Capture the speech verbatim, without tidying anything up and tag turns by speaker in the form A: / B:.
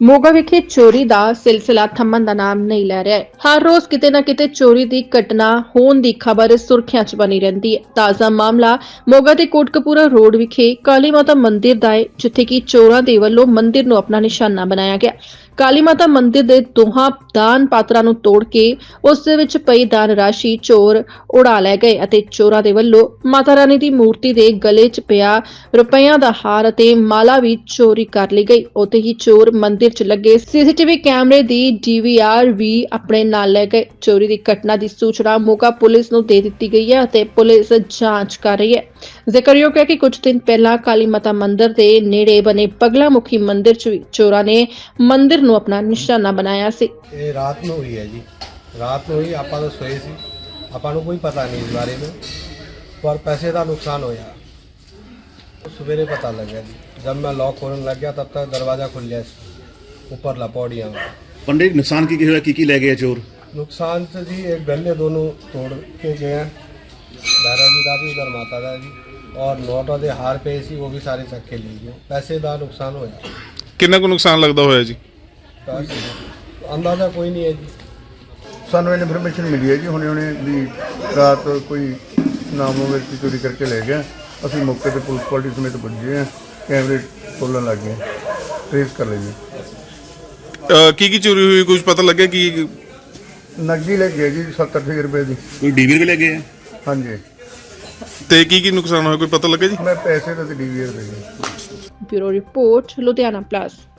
A: ਮੋਗਾ ਵਿਖੇ ਚੋਰੀ ਦਾ ਸਿਲਸਿਲਾ ਥੰਮਣ ਦਾ ਨਾਮ ਨਹੀਂ ਲੈ ਰਿਹਾ ਹੈ। ਹਰ ਰੋਜ਼ ਕਿਤੇ ਨਾ ਕਿਤੇ ਚੋਰੀ ਦੀ ਘਟਨਾ ਹੋਣ ਦੀ ਖਬਰ ਸੁਰਖੀਆਂ 'ਚ ਬਣੀ ਰਹਿੰਦੀ ਹੈ। ਤਾਜ਼ਾ ਮਾਮਲਾ ਮੋਗਾ ਦੇ ਕੋਟਕਪੂਰਾ ਰੋਡ ਵਿਖੇ ਕਾਲੀ ਮਾਤਾ ਮੰਦਿਰ ਦਾ ਹੈ, ਜਿੱਥੇ ਕਿ ਚੋਰਾਂ ਦੇ ਵੱਲੋਂ ਮੰਦਿਰ ਨੂੰ ਆਪਣਾ ਨਿਸ਼ਾਨਾ ਬਣਾਇਆ ਗਿਆ। ਕਾਲੀ ਮਾਤਾ ਮੰਦਿਰ ਦੇ ਦੋਹਾਂ ਦਾਨ ਪਾਤਰਾਂ ਨੂੰ ਤੋੜ ਕੇ ਉਸ ਦੇ ਵਿੱਚ ਪਈ ਦਾਨ ਰਾਸ਼ੀ ਚੋਰ ਉਡਾ ਲੈ ਗਏ ਅਤੇ ਚੋਰਾਂ ਦੇ ਵੱਲੋਂ ਮਾਤਾ ਰਾਣੀ ਦੀ ਮੂਰਤੀ ਦੇ ਗਲੇ 'ਚ ਪਿਆ ਰੁਪਈਆਂ ਦਾ ਹਾਰ ਅਤੇ ਮਾਲਾ ਵੀ ਚੋਰੀ ਕਰ ਲਈ ਗਈ। ਉੱਥੇ ਹੀ ਚੋਰ ਮੰਦਿਰ 'ਚ ਲੱਗੇ ਸੀਸੀਟੀਵੀ ਕੈਮਰੇ ਦੀ ਡੀਵੀਆਰ ਵੀ ਆਪਣੇ ਨਾਲ ਲੈ ਗਏ। ਚੋਰੀ ਦੀ ਘਟਨਾ ਦੀ ਸੂਚਨਾ ਮੋਗਾ ਪੁਲਿਸ ਨੂੰ ਦੇ ਦਿੱਤੀ ਗਈ ਹੈ ਅਤੇ ਪੁਲਿਸ ਜਾਂਚ ਕਰ ਰਹੀ ਹੈ। ਜ਼ਿਕਰਯੋਗ ਹੈ ਕਿ ਕੁਝ ਦਿਨ ਪਹਿਲਾਂ ਕਾਲੀ ਮਾਤਾ ਮੰਦਿਰ ਦੇ ਨੇੜੇ ਬਣੇ ਪਗਲਾ ਮੁਖੀ ਮੰਦਿਰ 'ਚ ਵੀ ਚੋਰਾਂ ਨੇ ਮੰਦਿਰ ਨੂੰ ਆਪਣਾ ਨਿਸ਼ਾਨਾ ਬਣਾਇਆ ਸੀ।
B: ਇਹ ਰਾਤ ਨੂੰ ਹੋਈ ਹੈ ਜੀ, ਰਾਤ ਨੂੰ ਹੀ ਆਪਾਂ ਤਾਂ ਸੋਏ ਸੀ, ਆਪਾਂ ਨੂੰ ਕੋਈ ਪਤਾ ਨਹੀਂ ਇਸ ਬਾਰੇ में, पर पैसे का नुकसान होया। सवेरे पता लगा जी, जब मैं लॉक खोलने लग गया तब तक दरवाज़ा खुल गया ऊपर लपौड़िया में।
C: पंडित नुकसान की की की ले गए चोर?
B: नुकसान तो जी एक गन्ने दोनों तोड़ के गए हैं, दादा जी का भी उधर माता का जी, और नोटों के हार पे सी वो भी सारे चक्के ले गए। पैसे का नुकसान होया।
D: कितना को नुकसान लगता होया जी?
B: अंदाजा कोई नहीं है जी।
E: ਸਾਨੂੰ ਇਨਫੋਰਮੇਸ਼ਨ ਮਿਲੀ ਹੈ ਜੀ ਹੁਣੇ ਹੁਣੇ ਵੀ ਰਾਤ ਕੋਈ ਨਾਮੋ ਵਿਅਕਤੀ ਚੋਰੀ ਕਰਕੇ ਲੈ ਗਿਆ। ਅਸੀਂ ਮੌਕੇ ਤੇ ਪੁਲਿਸ ਪਾਰਟੀ ਸਮੇਤ ਪੁੱਜੇ ਹਾਂ, ਕੈਮਰੇ ਖੋਲ੍ਹਣ ਲੱਗ ਗਏ, ਟ੍ਰੇਸ ਕਰ ਲਈ।
D: ਕੀ ਕੀ ਚੋਰੀ ਹੋਈ, ਕੁਝ ਪਤਾ ਲੱਗਿਆ? ਕਿ
E: ਨਕਦੀ ਲੈ ਗਏ ਜੀ ਸੱਤ ਅੱਠ ਹਜ਼ਾਰ ਰੁਪਏ ਦੀ।
C: कोई डीवीआर भी ले गए?
E: ਹਾਂਜੀ,
D: ਤੇ ਕੀ ਕੀ ਨੁਕਸਾਨ ਹੋਇਆ, ਕੋਈ ਪਤਾ ਲੱਗਾ ਜੀ?
E: ਮੈਂ ਪੈਸੇ ਤੇ ਡੀ ਵੀ ਆਰ ਦੇ ਗਏ।
A: Bureau report Ludhiana plus.